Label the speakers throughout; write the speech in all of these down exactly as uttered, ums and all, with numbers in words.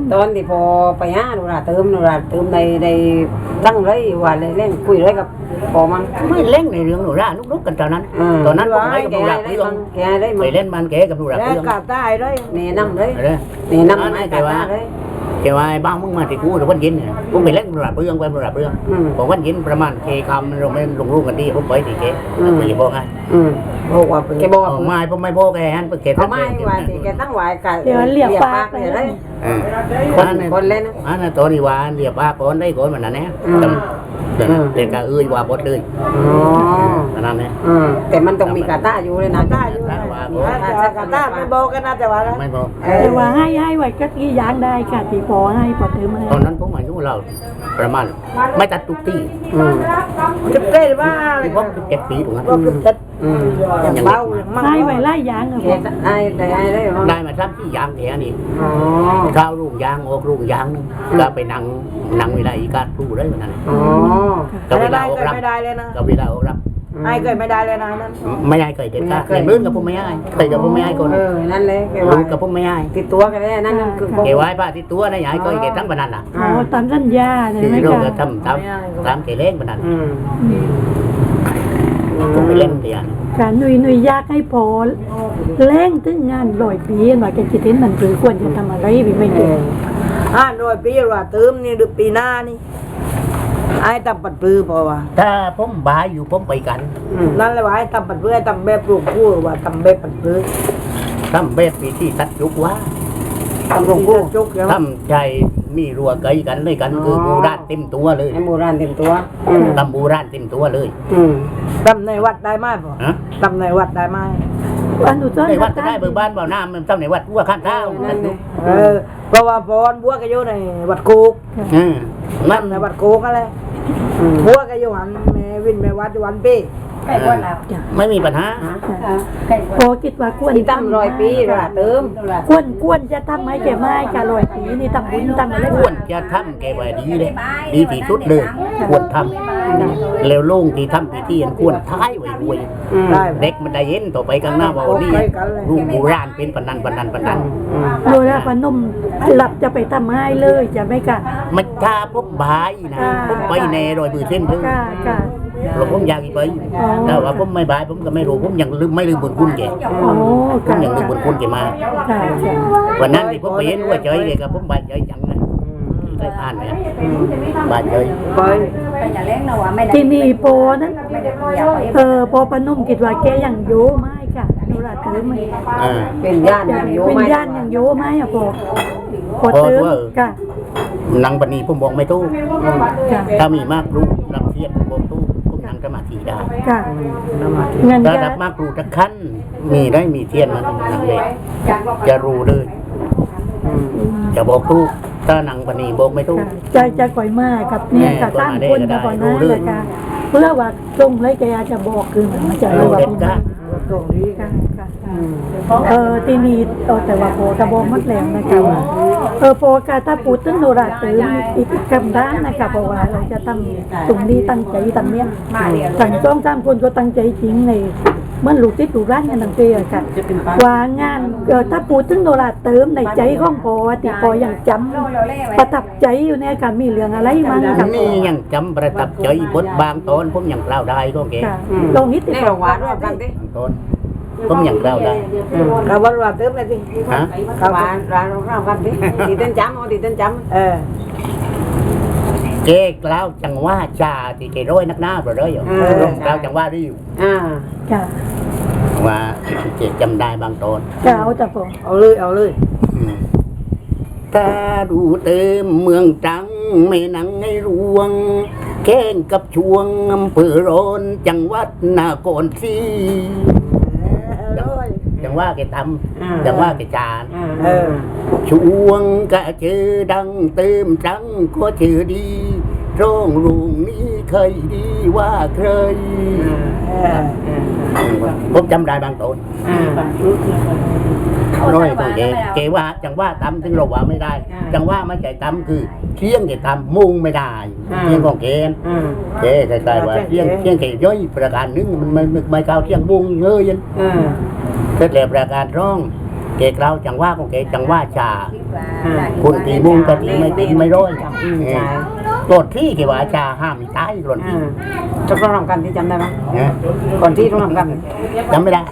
Speaker 1: ตอนที่พอไปหาดูราเติมดูราเติมในในตั้งเลยว่าเลยเล่นคุยเลยกับพอมัน
Speaker 2: ไม่เล่นในเรื่องดูราลุกๆกันตอนนั้นตอนนั้นผมไปกับดูราเรื่องไปเล่นมันแกกับดูราเรื่อง
Speaker 3: กาตายเลย
Speaker 1: แนะนำเลยแนะนำให้แต่ว่า
Speaker 2: แกว่าบ้างมึงมาที่กูหรือวันยินเนี่ยผมไปเล่นดูราเรื่องไปดูราเรื่องผมวันยินประมาณเคคำเราไม่ลงรูปกันดีผมไปที่แกไม่บอกไง
Speaker 1: บอกว่าแกบอกว่า
Speaker 2: ไม่ผมไม่บอกแกฮันแก
Speaker 1: ทำไมว่าแกตั้งไว้กัน
Speaker 4: เดี๋ยวเรียบปาก
Speaker 1: เลยคนคนเล่น
Speaker 2: อันนั้นตัวนี้ว่าเรียบปากคนได้คนมันนั่นแหละเรียกกะเอ้ยว่าบดเลย
Speaker 1: อ๋อ
Speaker 2: นั่นแหละ
Speaker 1: แต่มันต้องมีกาต้าอยู่เลยนะ
Speaker 3: กาต้าอยู่กาต้าไม่บอกกันนะแต่ว่า
Speaker 2: ไม่บอก
Speaker 4: แต่ว่าให้ให้ไว้ก็กี่อย่างได้ค่ะที่พอให้พอเติม
Speaker 2: ตอนนั้นผมอายุเราประมาณไม่ตัดตุกตี
Speaker 3: จะเต้นว่า
Speaker 2: ผมเจ็ดปีถูกไหม
Speaker 3: อย่างเบา
Speaker 4: ให้ไว้ไล่ยางอะ
Speaker 1: ได้ได้ได้
Speaker 2: ได้มาทำที่ยางแค่นี้ข้าวลูกยางออกลูกยางนึงก็ไปนั่งนั่งเวลาอีกาดูได้เหมือนกัน
Speaker 3: ก็เวลาออกรับไม่ได้เลยนะ
Speaker 2: ก็เวลาออกรับ
Speaker 3: ไอ้เคยไม่ได้เลยนะนั้น
Speaker 2: ไม่ได้เคยเด็ดขาดในมื้อกับผมไม่ได้เคยกับผมไม่ได้คน
Speaker 1: เออนั่นเลย
Speaker 2: รู้กับผมไม่ได้
Speaker 1: ติดตัวกันได้นั่นนั่นคือ
Speaker 2: เกไว้ป้าติดตัวนะยายก็เกทั้งบรรนันอ่ะ
Speaker 4: อ๋อตามสัญญาเลยไหมคะ
Speaker 2: ทำตามตามเกเล่งบรรนันผมไปเล่นเดียน
Speaker 4: การหนุ่ยหนุ่ยยากให้พอเล่งถึงงานลอยปีว่าแกคิดเห็นมันคือควรจะทำอะไรพี่ไม่เก่ง
Speaker 3: อ่าลอยปีว่าเติมนี่หรือปีหน้านี่ไอ้ทำปัดปื้อพอว่า
Speaker 2: ถ้าผมบายอยู่ผมไปกัน
Speaker 3: นั่นเลยว่าไอ้ทำปัดปื้อไอ้ทำแบบปลูกกู้ว่าทำแบบปัดปื้อ
Speaker 2: ทำแบบปีที่ตัดยุกว่า
Speaker 3: ทำปลูกกู้จุก
Speaker 2: ทำใจมีรัวเกยกันเลยกันคือโบราณเต็มตัวเลย
Speaker 1: โบราณเต็มตัว
Speaker 2: ทำโบราณเต็มตัวเลย
Speaker 3: ทำในวัดได้ไหมพ่อทำในวัดได้ไหม
Speaker 4: วันดูจ้
Speaker 2: ในวัดจะได้เบิกบ้านเบาหน้ามันทำในวัดวัวข้างเท้า
Speaker 3: เออเพราะว่าพรบัวก็อยู่ในวัดกูนั่นในวัดกูก็เลยบัวก็อยู่หันแม่วินแม่วัดวันปี
Speaker 2: ไม่มีปัญหา
Speaker 4: พอคิดว่าควร
Speaker 1: ตั้งร้อยปีละเติม
Speaker 4: ควรควรจะทำให้แกไม่แกร้อยปีนี่ทำบุญทำอะไร
Speaker 2: ควรจะทำแกไว้ดีเลยดีที่สุดเลยควรทำแล้วลุงที่ทำพิธีควรท้ายไว้ด้วยเด็กมันได้เย็นต่อไปข้างหน้าว่านี่ลุงโบราณเป็นปนันปนันปนัน
Speaker 4: โดยแล้วพนมหลับจะไปทำให้เลยจะไม่กัน
Speaker 2: มันถ้าพบบ่ายนะพบไปแน่โดยมือเส้นเลยเราผมอยากไปแต่ว่าผมไม่บายผมก็ไม่รู้ผมยังลืมไม่ลืมบุญคุณแกผมยังลืมบุญคุณแกมาวันนั้นที่ผมไปเห็นว่าเฉยเลยกับผมบายเฉยจังนะได้ผ่านเนี่ยบายเฉย
Speaker 3: ไป
Speaker 4: ที่นี่โปนั้นเออโปปนุ่มคิดว่าแกยังโยไม่ค่ะดูแลถือไม่
Speaker 1: เป็นญาติยังโย
Speaker 4: เป็นญาติยังโยไม่อะโปโปถือค่ะ
Speaker 2: นางปณีผมบอกไม่ตู้ถ้ามีมากรู้นำเทียบบอกตู้นั่งสมาธิได้ถ้าดับมากรู้ตะขั้นมีได้มีเทียนมันนั่งเลยจะรู้เลยจะบอกตู้ถ้านั่งปณีบอกไม่ตู้
Speaker 4: ใจจะก่อยมากกับเนี่ยกับตั้งคนกับก่อนนั้นเลยค่ะเพื่อว่าตรงเลยแกจะบอกคือมันจะรู้ว่า
Speaker 3: ตรงนี้
Speaker 4: ค่ะเออทีนี้แต่ว่าโปกระบอกมัดแหลมนะคะว่าเออโปกาถ้าปูตึ้งโนราตื่นอีกกำด้านนะคะเพราะว่าเราจะทำตรงนี้ตั้งใจทำเนี้ยสั่งจ้องสามคนก็ตั้งใจจริงในเมื่อลูกที่ถูกร้านกันตั้งใจอะค่ะว่างานเออถ้าปูตึ้งโนราเติมในใจของโปติโปยังจำประทับใจอยู่เนี่ยค่ะมีเรื่องอะไรมั้งค่ะ
Speaker 2: นี่ยังจำประทับใจบทบางตอนผมยังเล่าได้ก็เก๋
Speaker 4: ลงนิดติด
Speaker 1: ต่อว่าด้วยกันดิ
Speaker 2: ตอนผมยังเล่าได้
Speaker 3: เราวันวันเติมเลยดิ
Speaker 2: ฮะ
Speaker 1: ร้านร้านเราเล่ากันดิตีเต้นจำเอาตีเต้นจำ
Speaker 3: เออ
Speaker 2: เจ๊กล่าวจังว่าชาที่เจร้อยนักหน้าไปเลยอยู่กล่าวจังว่าริ้ว
Speaker 1: อ่า
Speaker 4: ค่ะ
Speaker 2: ว่าเจ๊จำได้บางตอน
Speaker 4: จะเอาจะผม
Speaker 3: เอาเลยเอาเลย
Speaker 2: ถ้าดูเติมเมืองจังไม่นังให้รวงแข่งกับช่วงอำเภอร้อนจังหวัดนครศรีจังว่าแกทำจังว่าแกจานช่วงกะเจอดังเติมจังก็เจอดีร้องรุงนี้เคยดีว่าเคยผมจำได้บางตอนน้อยตัวเองเกว่าจังว่าทำถึงเราว่าไม่ได้จังว่าไม่ใจทำคือเที่ยงแกทำมุ่งไม่ได้เที่ยงของเกณฑ์เจ๊ใส่ว่าเที่ยงเที่ยงแกย่อยประการนึงมันไม่ไม่เก่าเที่ยงบุ้งเงยยันเสร็จแล้วประการร้องเกกเราจังว่าของเกจังว่าชาคนตีมุงก็ตีไม่ตีไม่ร้อย
Speaker 1: อืมใช่
Speaker 2: โกรธที่เกี่ยวกับชาห้ามมีตายหล่น
Speaker 1: อ่าจะต้องทำกันที่จำได้ไหม
Speaker 2: นะ
Speaker 1: ก่อนที่ต้องทำกัน
Speaker 2: จำไม่ได้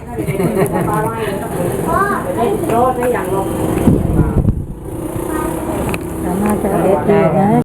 Speaker 4: น่าจะเด็ดดีนะ